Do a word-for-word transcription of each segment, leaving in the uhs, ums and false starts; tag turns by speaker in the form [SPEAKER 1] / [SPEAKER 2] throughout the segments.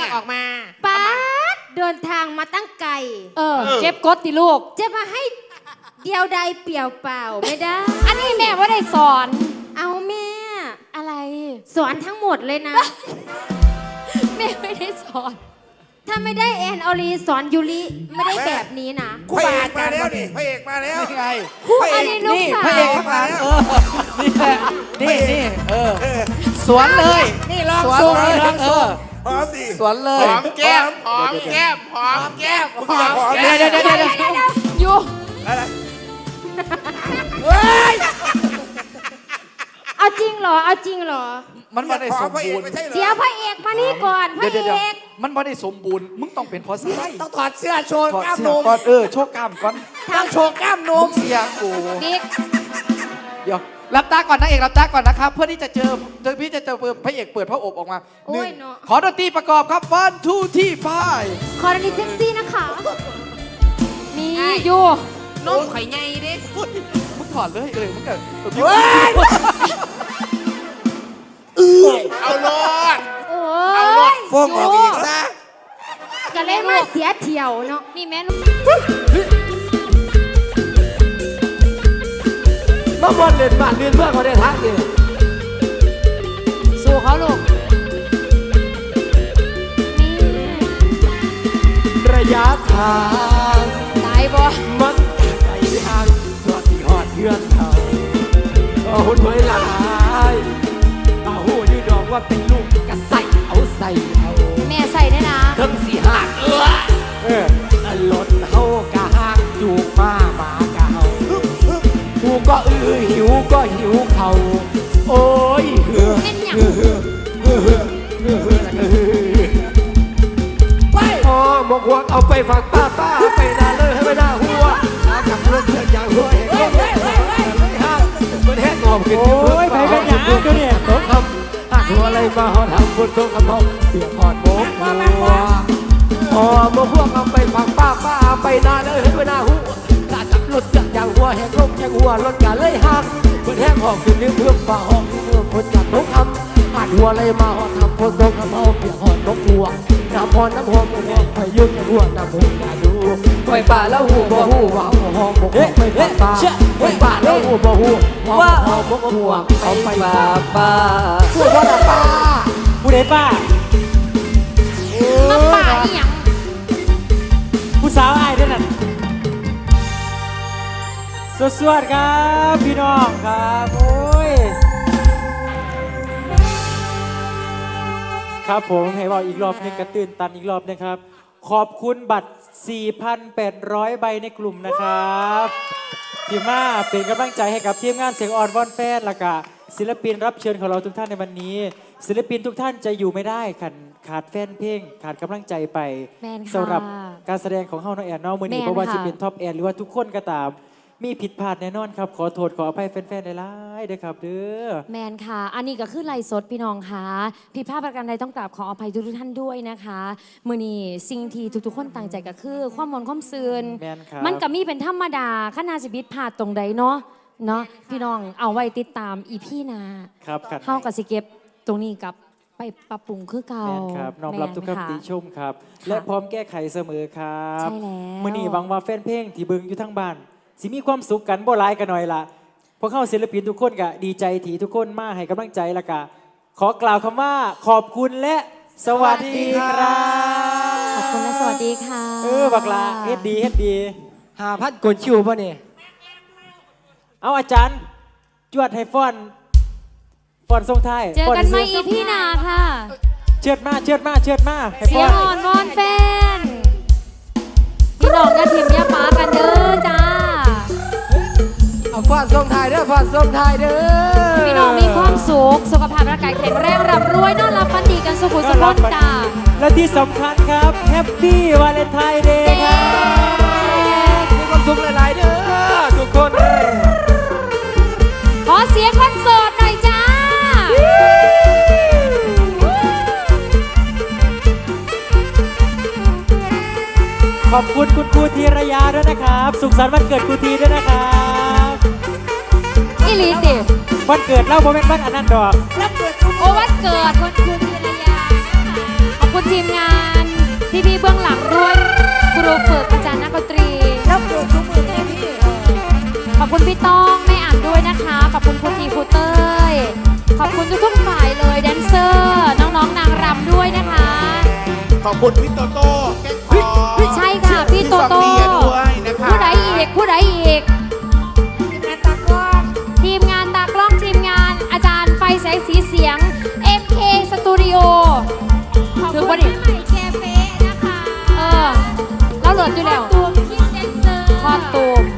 [SPEAKER 1] ออกมา
[SPEAKER 2] ป้าเดินทางมาตั้งไกล
[SPEAKER 3] เออเจ็บกดติลูก
[SPEAKER 2] จะมาให้เดียวใดเปลี่ยวเปล่าไม่ได้
[SPEAKER 3] อันนี้แม่ว่าได้สอน
[SPEAKER 2] เอาแม่
[SPEAKER 3] อะไร
[SPEAKER 2] สอนทั้งหมดเลยนะ
[SPEAKER 3] แม่ไม่ได้สอน
[SPEAKER 2] ถ้าไม่ได้แอนออลีสอนยูริไม่ได้แบบนี้นะ
[SPEAKER 1] พระเอกมาแล้วนี่พระเอกมาแล้ว
[SPEAKER 4] นี่ไง
[SPEAKER 3] คู่อันนี้ลูกสาว
[SPEAKER 4] พระเอกมาแล้วนี่แหละนี่นี่เออสวนเลย
[SPEAKER 1] นี่ลอง
[SPEAKER 4] สวนเลยเออ
[SPEAKER 1] หอมดิ
[SPEAKER 4] สวนเลย
[SPEAKER 1] หอมแก้มหอมแก้มหอมแก้มหอม
[SPEAKER 4] เดี๋ยวเดี๋ยวเดี๋ยวเดี๋ยว
[SPEAKER 3] อยู่
[SPEAKER 1] อะไร
[SPEAKER 4] เฮ้ย
[SPEAKER 2] เอาจริงเหรอเอาจริงเหรอ
[SPEAKER 4] มันไม่ได้สมบูรณ์
[SPEAKER 2] เดี๋ยวพระเอกมานี่ก่อนพระเอก
[SPEAKER 4] มันไม่ได้สมบูรณ์มึงต้องเป็นพอสไล
[SPEAKER 1] ต้องถอดเสื้อโชว์กล้ามนม
[SPEAKER 4] ก่อนเออโชว์กล้ามก่อน
[SPEAKER 1] ต้องโชว์กล้ามนม
[SPEAKER 4] เสียกู
[SPEAKER 2] บิ๊ก
[SPEAKER 4] เดี๋ยวรับตาก่อนนะเอกรับตาก่อนนะครับเพื่อที่จะเจอเจอพี่จะเจอพระเอกเปิดพระอบออกมาหนึ่งขอดนตรีประกอบครับวันทูที่พาย
[SPEAKER 2] ขอดนตรีเซ็กซี่นะคะ
[SPEAKER 3] นี่อยู่
[SPEAKER 1] นมไข่ใหญ่ดิ
[SPEAKER 4] มึงถอดเลยเออมึงเกิด
[SPEAKER 1] เอาลด
[SPEAKER 2] เอา
[SPEAKER 1] ลดฟงออกอีกซะ
[SPEAKER 2] ก็เล่นมาเสียเที่ยวเนาะ
[SPEAKER 3] นี่แม่
[SPEAKER 4] มาบอลเล่นบ้านเล่นเพื่อนเขาได้ทักดิ
[SPEAKER 3] สู้เขาลูก
[SPEAKER 4] นี่ระยะทาง
[SPEAKER 3] ตายบ่
[SPEAKER 4] มันไกลทางสวัสดีหอดเพื่อนเขาเอาหุ่นไว้หลายเอาหูยืดดอกว่าเป็นลูกกระใส่เอาใส่เอา
[SPEAKER 3] แม่ใส่ได้นะ
[SPEAKER 4] ทั้งสี่หักเออเออรถเฮากะหักจูบมาหมากะเฮากูก็อือหิวก็หิวเขาโอ้ยเหือเหือเหือเหือเหือเหือเหือไปอ๋อมกหัวเอาไปฝักป้าป้าไปนาเลยให้ไม่น่าหัวจับรถเสือกอย่างหัวเห็นเฮ้ยเฮ้ยเฮ้ยเฮ้ยห้ามมันแห้งงอมขึ้นโอ้ยไปเป็นอย่างนั้นดูเนี่ยต้องทำหักหัวอะไรมาหอทำบนโต๊ะกระเพาะเปียกหอดโมกหัวอ๋อมกหัวเอาไปฝักป้าป้าไปนาเลยให้ไม่น่าหัวจับรถเสือกอย่างหัวแหกลมอย่างหัวรถกันเลยหักมันแห้งหอมขึ้นเรื่องเพื่อฝ่าหอมเพื่อคนจับต้องทำหักหัวอะไรมาหอทำบนโต๊ะกระเพาะเปียกหอดโมกหัวน้ำพรน้ำหอมน้ำพายุหัวน้ำหอมอย่าดูไปป่าแล้วหูบ่หูว่าหอมบกไปป่าไปป่าแล้วหูบ่หูว่าหอมบกหัวเอาไปป่าป่าหัวว่าป่าผู้ใดป่า
[SPEAKER 3] มาป่าอีหยัง
[SPEAKER 4] ผู้สาวอายด้วยนั่นสวัสดีครับพี่น้องครับโอ้ยครับผมให้บอกอีกรอบนึงกระตื่นตันอีกรอบนึงครับขอบคุณบัตร สี่พันแปดร้อย ใบในกลุ่มนะครับที่มาเป็นกำลังใจให้กับทีมงานเสียงอ่อนวอนแฟนและก็ศิลปินรับเชิญของเราทุกท่านในวันนี้ศิลปินทุกท่านจะอยู่ไม่ได้ขาดขาดแฟนเพลงขาดกำลังใจไปสำหรับการแสดงของเฮาน้องแอนน้องมือนี้เพราะว่าจะเป็นท็อปแอนหรือว่าทุกคนก็ตามมีผิดพลาดแน่นอนครับขอโทษขออภัยแฟนๆหลายๆด้วยครับเด้อ
[SPEAKER 3] แมนค่ะอันนี้ก็คือไลฟ์สดพี่น้องค่ะผิดพลาดประการใดต้องกราบขออภัยทุกท่านด้วยนะคะมื้อนี้สิ่งที่ทุกๆคนตั้งใจก็คือความมนต์ความซื่นมันก็มีเป็นธรรมดาขนาดสิบิดพลาดตรงใดเนาะเนาะพี่น้องเอาไว้ติดตามอีพี่นา
[SPEAKER 4] ครับ
[SPEAKER 3] เฮาก็สิเก็บตรงนี้กับไปปรับปรุงคือเก่า
[SPEAKER 4] แม่นครับน้อมรับทุกคำติชมครับและพร้อมแก้ไขเสมอครับ
[SPEAKER 3] ใช่แล้ว
[SPEAKER 4] มื้อนี้หวังว่าแฟนเพลงที่เบิ่งอยู่ทั้งบ้านสิมีความสุขกันบ่หลายกันหน่อยล่ะพวกเขาศิลปินทุกคนก็ดีใจที่ทุกคนมาให้กำลังใจแล้วก็ขอกล่าวคำว่าขอบคุณและสวัสดีครับ
[SPEAKER 3] ขอบคุณและสวัสดีค่ะ
[SPEAKER 4] เออบักลาเฮ็ดดีเฮ็ดดีหาพัดกดชิวป่ะนี่เอาอาจารย์จวดให้ฟ้อนฟ้อนทรงไทย
[SPEAKER 3] เจอกันใหม่อีพี่นาค่ะ
[SPEAKER 4] เชิดมาเชิดมาเชิดมา
[SPEAKER 3] เสียงอ่อนวอนแฟนพี่น้องกระถิ่มยาป้ากันเด้อจ้า
[SPEAKER 4] เอาฟ้อนทรงไทยเด้อฟ้อนทรงไทยเด้อ
[SPEAKER 3] พี่น้องมีความสุขสุขภาพร่างกายแข็งแรงร่ำรวยนอนหลับฝันดีกันสุขสุขพ้นจ้า
[SPEAKER 4] และที่สำคัญครับแฮปปี้วาเลนไทน์เดย์ครับมีความสุขหลายๆเด้อทุกคนเลย
[SPEAKER 3] ขอเสียงคนโสดหน่อยจ้า
[SPEAKER 4] ขอบคุณคุณครูธีรยาด้วยนะครับสุขสันต์วันเกิดครูธีด้วยนะครับ
[SPEAKER 3] อีลีติ
[SPEAKER 4] วันเกิดเล่าโมเมนต์วันอนันต์ดอก
[SPEAKER 3] โอ้วันเกิดวันครูธีรยาขอบคุณทีมงานครูเต้ยขอบคุณทุกๆฝ่ายเลยแดนเซอร์น้องๆนางรำด้วยนะคะ
[SPEAKER 1] ขอบคุณพี่โตโต้แก้งคอ
[SPEAKER 3] ใช่ค่ะพี่โตโต้
[SPEAKER 1] พี่ฟองเบียร์ด้วยนะคะ
[SPEAKER 3] ผู้ใดอีกผู้ใดอีกทีมงานตากล้องทีมงานอาจารย์ไฟแสงสีเสียง เอ็ม เค Studio ถือว่าดิ
[SPEAKER 2] ใหม่แคเฟ่นะคะ
[SPEAKER 3] เออเราเหลืออยู่แล้ว
[SPEAKER 2] ตูมคิดแดนเซอร์
[SPEAKER 3] คอตูม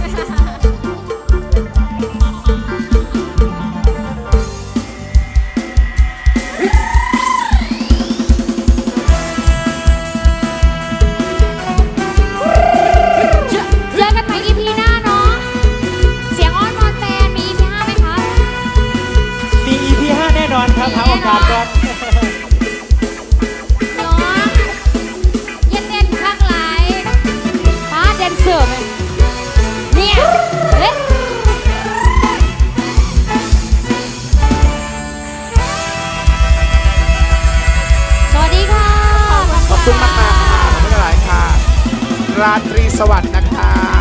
[SPEAKER 3] เจอกันใหม่ อี พี หน้าเนาะเสียงอ้อนวอนแฟนมี อี พี ห้าไหมคะ
[SPEAKER 4] มี อี พี ห้าแน่นอนครับหาโอกาสก่อน
[SPEAKER 3] น้องอย่าเต้นข้างไหลป้าแดนเซอร์ไหมเนี่ยเอ๊ะสวัสดีค่ะ
[SPEAKER 1] ขอบคุณมากๆค่ะขอบคุณหลายๆค่ะ ราตรีสวัสดิ์นะคะ